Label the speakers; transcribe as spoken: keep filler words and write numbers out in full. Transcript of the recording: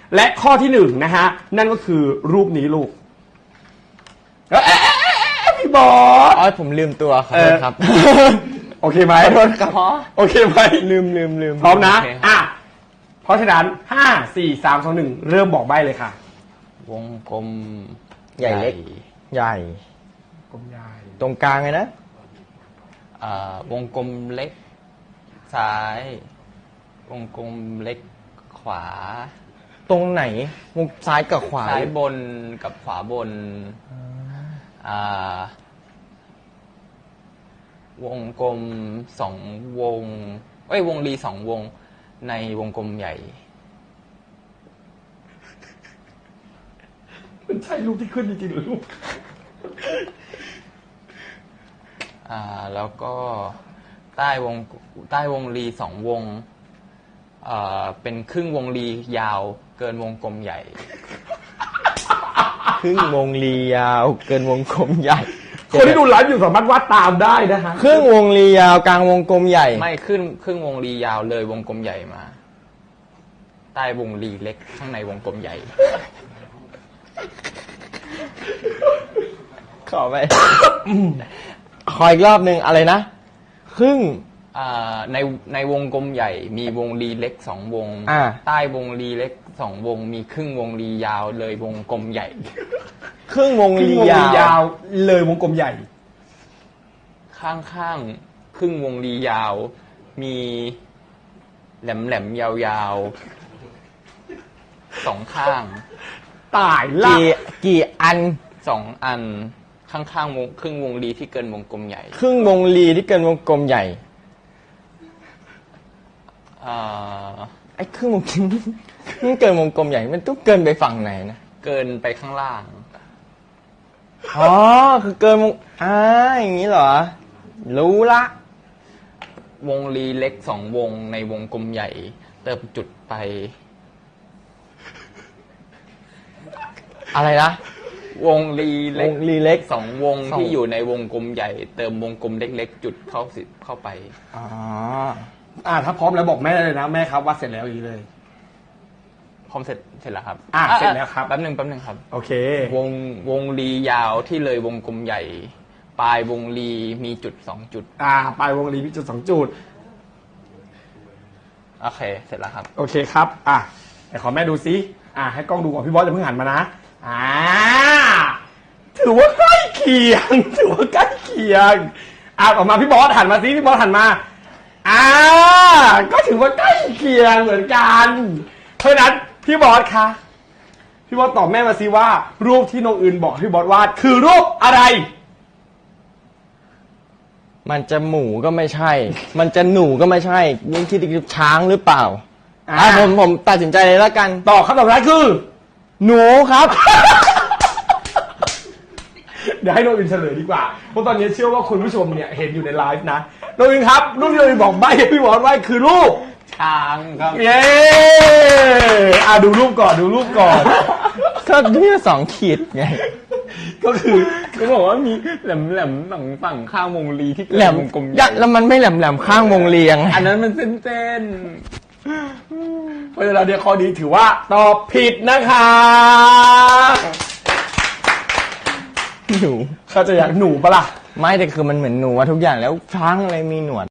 Speaker 1: และข้อที่หนึ่งนะฮะนั่นก็คือรูปนี้ลูกเอ๊ะพี่บอส
Speaker 2: อ๋อผมลืมตัวขอโทษครับ
Speaker 1: โอเคไหม
Speaker 2: ขอโทษครับ
Speaker 1: โอเคไหม
Speaker 2: ลืมลืมลืม
Speaker 1: พร้อมนะ
Speaker 2: โเค
Speaker 1: อ่ะเพราะฉะนั้นห้าสี่สามสองหนึ่งเริ่มบอกใบ้เลยค่ะ
Speaker 2: วงกลม
Speaker 3: ใหญ่เล็ก ใหญ่
Speaker 1: กลมใหญ่
Speaker 3: ตรงกลางเลยนะ
Speaker 2: อ่าวงกลมเล็ก ซ้าย วงกลมเล็กขวา
Speaker 3: ตรงไหนวงซ้ายกับขวา
Speaker 2: ซ้ายบนกับขวาบนอ่าวงกลมสองวงเอ้ยวงรีสองวงในวงกลมใหญ่
Speaker 1: มันใช่รูปที่ขึ้นจริงๆหรือลูก
Speaker 2: อ่าแล้วก็ใต้วงใต้วงรีสองวงเอ่อเป็นครึ่งวงรียาวเกินวงกลมใหญ่
Speaker 3: ครึ่งวงรียาวเกินวงกลมใหญ่
Speaker 1: คนที่ดูไลฟ์อยู่สามารถวาดตามได้นะฮะ
Speaker 3: ครึ่งวงรียาวกลางวงกลมใหญ่
Speaker 2: ไม่ขึ้นครึ่งวงรียาวเลยวงกลมใหญ่มา ใต้วงรีเล็กข้างในวงกลมใหญ่
Speaker 3: ขอไป ขออีกรอบหนึ่งอะไรนะ ครึ่ง
Speaker 2: อ่าในในวงกลมใหญ่ มีวงรีเล็กสองวง
Speaker 3: อ่า
Speaker 2: ใต้วงรีเล็กสองวง มีครึ่งวงรียาวเลยวงกลมใหญ่
Speaker 3: ครึ่งวง
Speaker 1: ครึ่ง
Speaker 3: รี
Speaker 1: วง
Speaker 3: ยา
Speaker 1: รียาว วเลยวงกลมใหญ่
Speaker 2: ข้างข้างๆครึ่งวงรียาว มีแหลมแหลมๆยาวยาวๆสองข้าง
Speaker 1: ตายละ
Speaker 3: กี่กี่อัน
Speaker 2: สองอันข้างข้างๆวงครึ่งวงรีที่เกินวงกลมใหญ่
Speaker 3: ครึ่งวงรีที่เกินวงกลมใหญ่
Speaker 2: อ่า
Speaker 3: ไอ้ครึ่งวงกลม มันเกินวงกลมใหญ่ มันต้องเกินไปฝั่งไหนนะ
Speaker 2: เกินไปข้างล่าง
Speaker 3: อ๋อ คือเกินวงอ่าอย่างนี้เหรอ รู้ละ
Speaker 2: วงรีเล็กสองวงในวงกลมใหญ่ เติมจุดไป
Speaker 3: อะไรนะ
Speaker 2: วงรีเล็ก
Speaker 3: วงรีเล็ก
Speaker 2: สองวง
Speaker 3: สอง
Speaker 2: ที่อยู่ในวงกลมใหญ่ เติมวงกลมเล็ก ๆ จุดเข้าสิเข้าไป
Speaker 3: อ๋อ
Speaker 1: อ่าถ้าพร้อมแล้วบอกแม่ได้เลยนะแม่ครับวาดเสร็จแล้วอย่างนี้เลย
Speaker 2: พร้อมเสร็จเสร็จแล้วครับ
Speaker 1: อ่ะเสร็จแล้วครับ
Speaker 2: แป๊บหนึ่งแป๊บหนึ่งครับ
Speaker 1: โอเค
Speaker 2: วงวงรียาวที่เลยวงกลมใหญ่ ปลายวงรีมีจุดสองจุด
Speaker 1: อ่าปลายวงรีมีจุดสองจุด
Speaker 2: โอเค เสร็จแล้วครับ
Speaker 1: โอเคครับ อ่ะไหนขอแม่ดูซิอ่ะให้กล้องดูก่อนพี่บอสจะเพิ่งหันมานะ อ่า ถือว่าใกล้เคียง ถือว่าใกล้เคียง อ่ะออกมาพี่บอสหันมาซิพี่บอสหันมา อ่า ก็ถือว่าใกล้เคียงเหมือนกัน เพราะฉะนั้นพี่บอสคะ พี่บอสตอบแม่มาซิว่า รูปที่น้องอื่นบอกให้พี่บอสวาดคือรูปอะไร
Speaker 3: มันจะหมูก็ไม่ใช่ มันจะหนูก็ไม่ใช่ยิ่งคิดถึงช้างหรือเปล่า
Speaker 1: อ่า
Speaker 3: อ่ะผมผมตัดสินใจเลยแล้วกัน
Speaker 1: ตอบคำตอบแรกคือ
Speaker 3: หนูครับ
Speaker 1: เดี๋ยวให้น้องอินเฉลยดีกว่า เพราะตอนนี้เชื่อว่าคุณผู้ชมเนี่ยเห็นอยู่ในไลฟ์นะน้องอินครับ รูปที่น้องอินบอกใบ้ให้พี่บอสไว้คือรูป
Speaker 2: ช้างครับ
Speaker 1: เย้อ่ะดูรูปก่อนดูรูปก่อน
Speaker 3: ก็ที่สองขีดไง
Speaker 1: ก็คือ
Speaker 2: ก็บอกว่ามีแหลมแหลมๆฝั่งฝั่งข้างวงรีที่เกิ
Speaker 3: แหล
Speaker 2: น
Speaker 3: ม
Speaker 2: วงกลมให
Speaker 3: ยั
Speaker 2: ญ่
Speaker 3: ดแล้วมันไม่แหลมแหลมข้างวงเรียง
Speaker 2: อันนั้นมันเส้นเส้น
Speaker 1: เพราะฉะนั้นเนี่ยข้อนี้ถือว่าตอบผิดนะคะ
Speaker 3: หนู
Speaker 1: เขาใจะอยากหนูปะล่ะ
Speaker 3: ไม่แต่คือมันเหมือนหนูอะทุกอย่างแล้วช้างอะไรมีหนวด